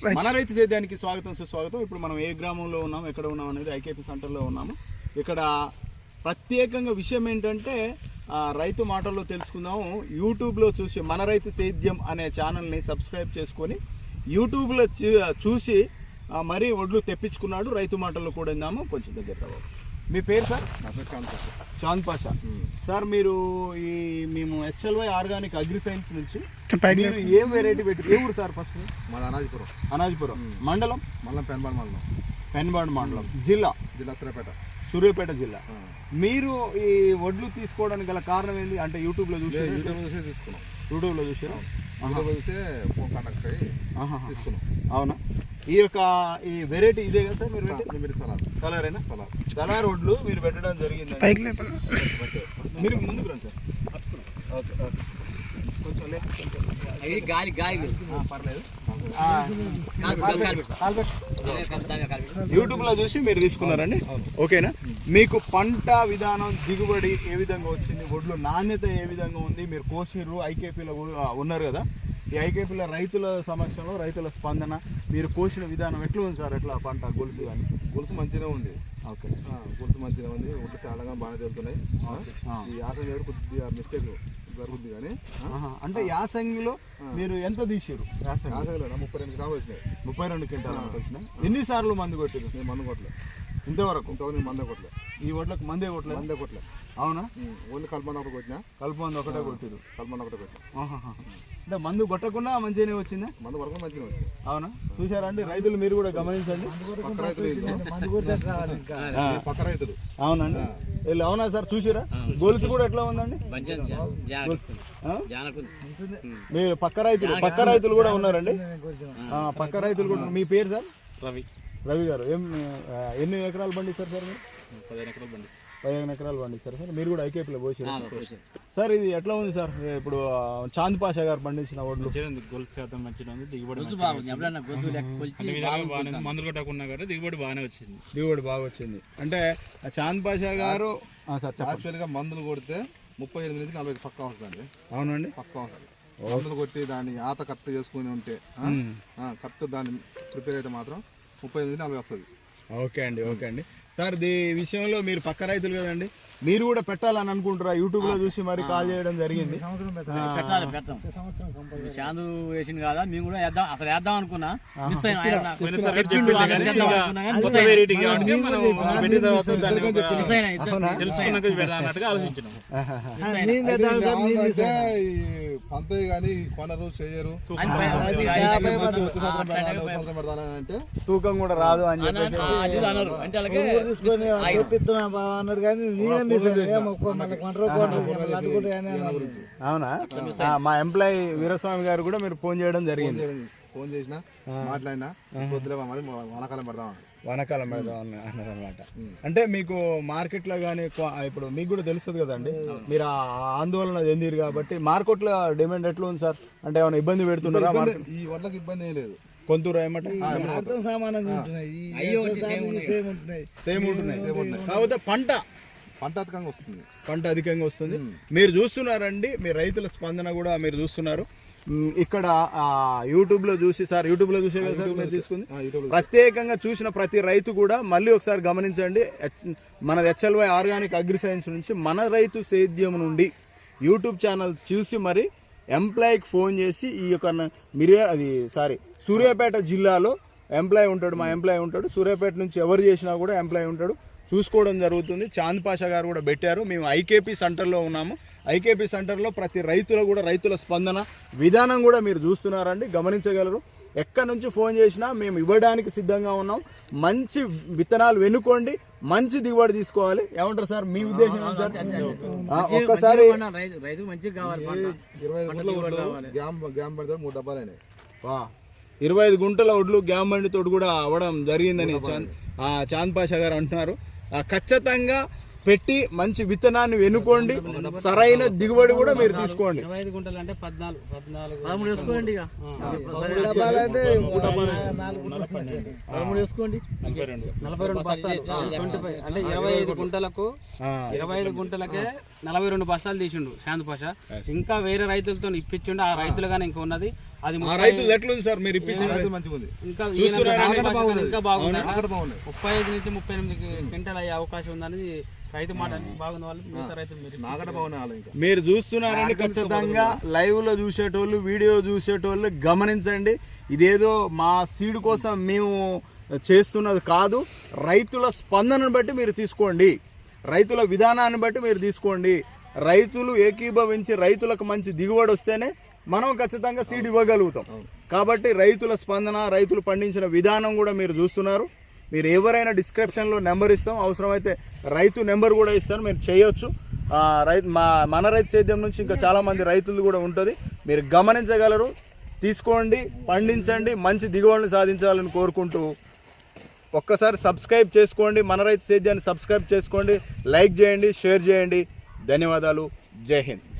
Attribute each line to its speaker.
Speaker 1: మన రైతు సేద్యానికి స్వాగతం సుస్వాగతం. ఇప్పుడు మనం ఏ గ్రామంలో ఉన్నాం, ఎక్కడ ఉన్నాం అనేది ఐకేపీ సెంటర్లో ఉన్నాము. ఇక్కడ ప్రత్యేకంగా విషయం ఏంటంటే రైతు మాటల్లో తెలుసుకుందాము. యూట్యూబ్లో చూసి మన రైతు సేద్యం అనే ఛానల్ని సబ్స్క్రైబ్ చేసుకొని యూట్యూబ్లో చూసి మరీ వడ్లు తెప్పించుకున్నాడు. రైతు మాటల్లో కూడా విందాము. కొంచెం దగ్గర రావాలి. మీ పేరు సార్?
Speaker 2: నా పేరు
Speaker 1: చాంద్ పాషా. సార్ మీరు మేము HLY ఆర్గానిక్ అగ్రి సైన్స్ నుంచి మీరు ఏం వెరైటీ పెట్టి ఏ ఊరు సార్? ఫస్ట్
Speaker 2: మాది
Speaker 1: అనాజిపురం మండలం పెన్బాడ్ మండలం జిల్లా సూర్యాపేట జిల్లా. మీరు ఈ వడ్లు తీసుకోవడానికి గల కారణం ఏంటి? అంటే యూట్యూబ్లో చూసి
Speaker 2: తీసుకున్నాం.
Speaker 1: యూట్యూబ్లో చూసారా?
Speaker 2: ఫోన్ కాంటాక్ట్ అయ్యి తీసుకున్నాం.
Speaker 1: అవునా? ఈ వెరైటీ ఇదే కదా సార్? మీరు కలరేనా? కలర్ వడ్లు మీరు పెట్టడం జరిగింది. మీరు ముందుకు రండి సార్. ఓకే ఓకే, కొంచెం పర్లేదు. యూట్యూబ్లో చూసి మీరు తీసుకున్నారండి, ఓకేనా? మీకు పంట విధానం, దిగుబడి ఏ విధంగా వచ్చింది, వడ్లు నాణ్యత ఏ విధంగా ఉంది? మీరు కోసిర్రు, ఐకేపీలో ఉన్నారు కదా, ఈ ఐకేపీలో రైతుల సమక్షంలో రైతుల స్పందన, మీరు కోసిన విధానం ఎట్లా ఉంది సార్? ఎట్లా పంట గొలుసు కానీ?
Speaker 2: గొలుసు మంచిగా ఉంది.
Speaker 1: ఓకే,
Speaker 2: గొలుసు మంచిగా ఉంది. ఒడ్డు తేడాగా బాగానే తెలుస్తున్నాయి. ఈ యాసంగి కొద్దిగా మిస్టేక్ జరుగుతుంది కానీ.
Speaker 1: అంటే యాసంగిలో మీరు ఎంత తీసారు?
Speaker 2: యాసంగిలో 32 క్వింటాలు వచ్చినాయి.
Speaker 1: 32 క్వింటాలు వచ్చినాయి. ఎన్నిసార్లు మందు కొట్టారు?
Speaker 2: నేను మందు కొట్టలేదు
Speaker 1: ఇంతవరకు.
Speaker 2: నేను మందే కొట్టలేదు.
Speaker 1: ఈ వడ్లకు మందే కొట్టలేదు. అవునా?
Speaker 2: ఓన్లీ కల్పమంది ఒకటి కొట్టినా.
Speaker 1: కల్పమంది ఒకటే కొట్టిరు.
Speaker 2: కల్పమంది ఒకటే కొట్టినా.
Speaker 1: అంటే మందు కొట్టకుండా మంచిగానే వచ్చిందా?
Speaker 2: మందు కొట్టకుండా మంచిగా వచ్చింది.
Speaker 1: అవునా? చూసారా అండి రైతులు, మీరు కూడా గమనించండి.
Speaker 2: పక్క రైతులు.
Speaker 1: అవునండి, వీళ్ళు. అవునా సార్? చూసారా? గొలుసు కూడా ఎట్లా ఉందండి? మీరు పక్క రైతులు కూడా ఉన్నారండి. పక్క రైతులు కూడా. మీ పేరు సార్? రవి గారు. ఎన్ని ఎకరాలు పండిస్తారు సార్ మీరు? 15 ఎకరాలు పండిస్తారు సార్. మీరు కూడా ఐకేపీలో పోసారు సార్. ఇది ఎట్లా ఉంది సార్? ఇప్పుడు చాంద్ పాషా గారు పండించిన వడ్లు
Speaker 3: గొలుసు శాతం మంచిగా ఉంది. దిగుబడి మందులు కొట్టకుండా దిగుబడి బాగానే వచ్చింది.
Speaker 1: దిగుబడి బాగా వచ్చింది. అంటే చాంద్ పాషా గారు
Speaker 2: యాక్చువల్గా మందులు కొడితే 38 నుంచి 40 పక్కా వస్తుందండి.
Speaker 1: అవునండి,
Speaker 2: పక్కా వస్తుంది. మందులు కొట్టి దాన్ని ఆత కరెక్ట్ చేసుకుని ఉంటే, కరెక్ట్ దాన్ని ప్రిపేర్ అయితే మాత్రం 38 నుంచి 40 వస్తుంది.
Speaker 1: ఓకే అండి, ఓకే అండి. సార్ ఈ విషయంలో మీరు పక్క రైతులు కదండి, మీరు కూడా పెట్టాలని అనుకుంటారా? యూట్యూబ్ లో చూసి మరి కాల్ చేయడం జరిగింది.
Speaker 4: చాందు వేసింది కదా, మేము కూడా అసలు వేద్దాం అనుకున్నా.
Speaker 2: పంతయ్య కానీ కొనరు చేయరు అంటే
Speaker 1: తూకం కూడా రాదు అని అవునా? మా ఎంప్లాయీ వీరస్వామి గారు కూడా మీరు ఫోన్ చేయడం జరిగింది.
Speaker 2: ఫోన్ చేసినా మాట్లాడినా
Speaker 1: వానాకాలం పెడదాం అన్నారు అనమాట. అంటే మీకు మార్కెట్లో కానీ ఇప్పుడు మీకు కూడా తెలుస్తుంది కదండి, మీరు ఆందోళన చెందిరు కాబట్టి మార్కెట్లో డిమాండ్ ఎట్లా ఉంది సార్? అంటే ఏమైనా ఇబ్బంది పెడుతున్నారా?
Speaker 2: ఈ వడ్లకి ఇబ్బంది ఏం లేదు.
Speaker 1: కొంతూరు ఏమంటే కాకపోతే పంట అధికంగా వస్తుంది. మీరు చూస్తున్నారండి, మీ రైతుల స్పందన కూడా మీరు చూస్తున్నారు. ఇక్కడ యూట్యూబ్లో చూసి, సార్ యూట్యూబ్లో చూసే కదా సార్ మీరు తీసుకుంది. ప్రత్యేకంగా చూసిన ప్రతి రైతు కూడా మళ్ళీ ఒకసారి గమనించండి. మన HLY ఆర్గానిక్ అగ్రి సైన్స్ నుంచి మన రైతు సేద్యం నుండి యూట్యూబ్ ఛానల్ చూసి మరి ఎంప్లాయీకి ఫోన్ చేసి ఈ యొక్క సూర్యాపేట జిల్లాలో ఎంప్లాయీ ఉంటాడు, మా ఎంప్లాయీ ఉంటాడు. సూర్యాపేట నుంచి ఎవరు చేసినా కూడా ఎంప్లాయీ ఉంటాడు, చూసుకోవడం జరుగుతుంది. చాంద్ పాషా గారు కూడా పెట్టారు. మేము ఐకేపీ సెంటర్లో ఉన్నాము. ఐకేపీ సెంటర్లో ప్రతి రైతులు కూడా రైతుల స్పందన విధానం కూడా మీరు చూస్తున్నారండి, గమనించగలరు. ఎక్కడి నుంచి ఫోన్ చేసినా మేము ఇవ్వడానికి సిద్ధంగా ఉన్నాం. మంచి విత్తనాలు వెనుకోండి, మంచి దిగుబడి తీసుకోవాలి. ఏమంటారు సార్? మీ ఉద్దేశం సార్? ఒక్కసారి 25 గుంటల వడ్లు గ్యామ్ బండితో కూడా అవ్వడం జరిగిందని చాంద్ పాషా గారు అంటున్నారు. ఖచ్చితంగా పెట్టి మంచి విత్తనాన్ని వెనుకోండి, సరైన దిగుబడి కూడా మీరు తీసుకోండి.
Speaker 3: 25 గుంటలు అంటే 14
Speaker 4: వేసుకోండి. 25 గుంటలకే 42 బస్తాలు తీసిండు చాంద్ పాషా. ఇంకా వేరే రైతులతో ఇప్పించిండు. ఆ రైతులు కానీ ఇంకా ఉన్నది
Speaker 3: అది
Speaker 1: ఆ రైతులు ఎట్లుంది సార్ మీరు ఇప్పించిన
Speaker 2: రైతు మంచిగా ఉంది.
Speaker 3: ఇంకా
Speaker 1: చూస్తున్నారా?
Speaker 3: ఇంకా బాగుంది.
Speaker 2: ఆకట బాగున్నాయి.
Speaker 3: 35 నుంచి 38 క్వింటాల్ అయ్యే అవకాశం ఉందని రైతు మాట బాగుంది వాళ్ళు మిగతా రైతులు మీరు
Speaker 2: నాకట బాగున్నాయి వాళ్ళు ఇంకా.
Speaker 1: మీరు చూస్తున్నారని ఖచ్చితంగా లైవ్ లో చూసేటోళ్ళు వీడియో చూసేటోళ్ళు గమనించండి. ఇదేదో మా సీడ్ కోసం మేము చేస్తున్నది కాదు. రైతుల స్పందనను బట్టి మీరు తీసుకోండి, రైతుల విధానాన్ని బట్టి మీరు తీసుకోండి. రైతులు ఏకీభవించి రైతులకు మంచి దిగుబడి వస్తేనే మనం ఖచ్చితంగా సీడ్ ఇవ్వగలుగుతాం. కాబట్టి రైతుల స్పందన, రైతులు పండించిన విధానం కూడా మీరు చూస్తున్నారు. మీరు ఎవరైనా డిస్క్రిప్షన్లో నెంబర్ ఇస్తాం, అవసరమైతే రైతు నెంబర్ కూడా ఇస్తాను, మీరు చేయొచ్చు. మన రైతు సేద్యం నుంచి ఇంకా చాలామంది రైతులు కూడా ఉంటుంది, మీరు గమనించగలరు. తీసుకోండి, పండించండి, మంచి దిగుబడిని సాధించాలని కోరుకుంటూ ఒక్కసారి సబ్స్క్రైబ్ చేసుకోండి, మన రైతు సేద్యాన్ని సబ్స్క్రైబ్ చేసుకోండి, లైక్ చేయండి, షేర్ చేయండి. ధన్యవాదాలు. జై హింద్.